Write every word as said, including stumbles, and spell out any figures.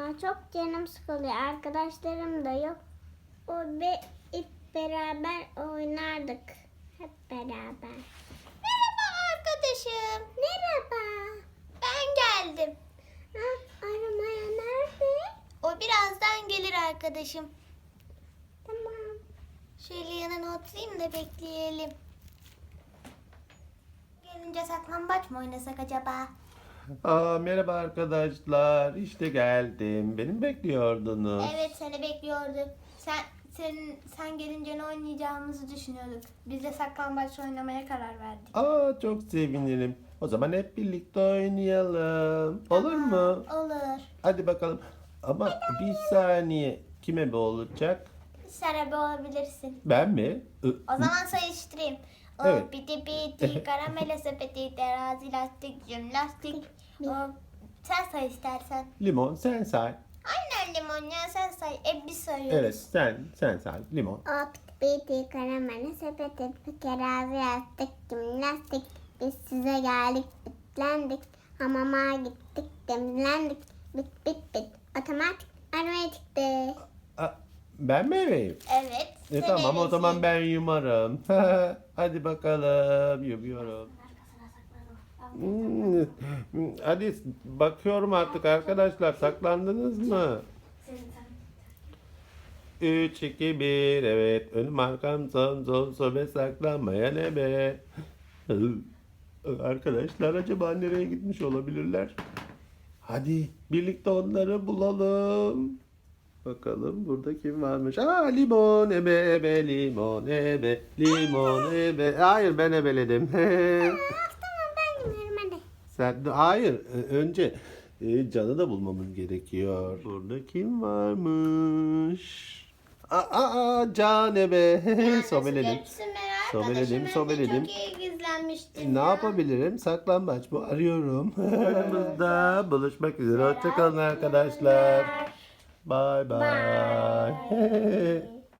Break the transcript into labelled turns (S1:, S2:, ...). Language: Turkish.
S1: ya. Çok canım sıkılıyor. Arkadaşlarım da yok. O be hep beraber oynardık. Hep beraber.
S2: Merhaba arkadaşım.
S1: Merhaba.
S2: Ben geldim.
S1: Ha, aramaya nerede?
S2: O birazdan gelir arkadaşım.
S1: Tamam.
S2: Şöyle yanına oturayım da bekleyelim. Gelince saklambaç mı oynasak acaba?
S3: Aa, merhaba arkadaşlar. İşte geldim. Beni mi bekliyordunuz?
S2: Evet, seni bekliyorduk. Sen sen sen gelince ne oynayacağımızı düşünüyorduk. Biz de saklambaç oynamaya karar verdik.
S3: Aa, çok sevinirim. O zaman hep birlikte oynayalım. Olur mu?
S2: Olur.
S3: Hadi bakalım. Ama bir saniye. Kime bu olacak?
S2: Sen ebe olabilirsin.
S3: Ben mi? I-
S2: O zaman sayıştırayım. O
S3: Evet.
S2: piti piti karamele sepeti terazi lastik jimnastik. O, sen say istersen.
S3: Limon sen say.
S2: Aynen limon ya, sen say. E biz sayıyoruz.
S3: Evet sen sen say. Limon.
S1: O piti karamele sepeti kerazi yastık jimnastik. Biz size geldik bitlendik. Hamama gittik demlendik. Bit bit bit. Otomatik aramaya çıktı.
S3: Aa, ben mi eveyim?
S2: Evet.
S3: E,
S2: sen
S3: tamam o
S2: ebesin.
S3: zaman ben yumarım. Hadi bakalım. Yumuyorum. Hmm, Hadi bakıyorum artık arkadaşlar. Saklandınız mı? üç, iki, bir. Evet. Önüm arkam son son sobe saklanmayan ebe. Arkadaşlar acaba nereye gitmiş olabilirler? Hadi birlikte onları bulalım. Bakalım burada kim varmış? Aa, limon ebe ebe limon ebe limon ebe. Hayır ben ebeledim.
S1: Tamam ben gidiyorum hadi.
S3: Sen hayır e, önce e, Can'ı da bulmamız gerekiyor. Burada kim varmış? Aa, aa Can ebe. Sobeledim.
S2: Görürsün merak
S3: Sobeledim,
S2: arkadaşım, ben de
S3: sobeledim.
S2: Çok iyi gizlenmiştim
S3: Ne
S2: ya.
S3: yapabilirim? Saklambaç bu. Arıyorum. Aramızda buluşmak üzere. Hoşçakalın arkadaşlar. Bye bye.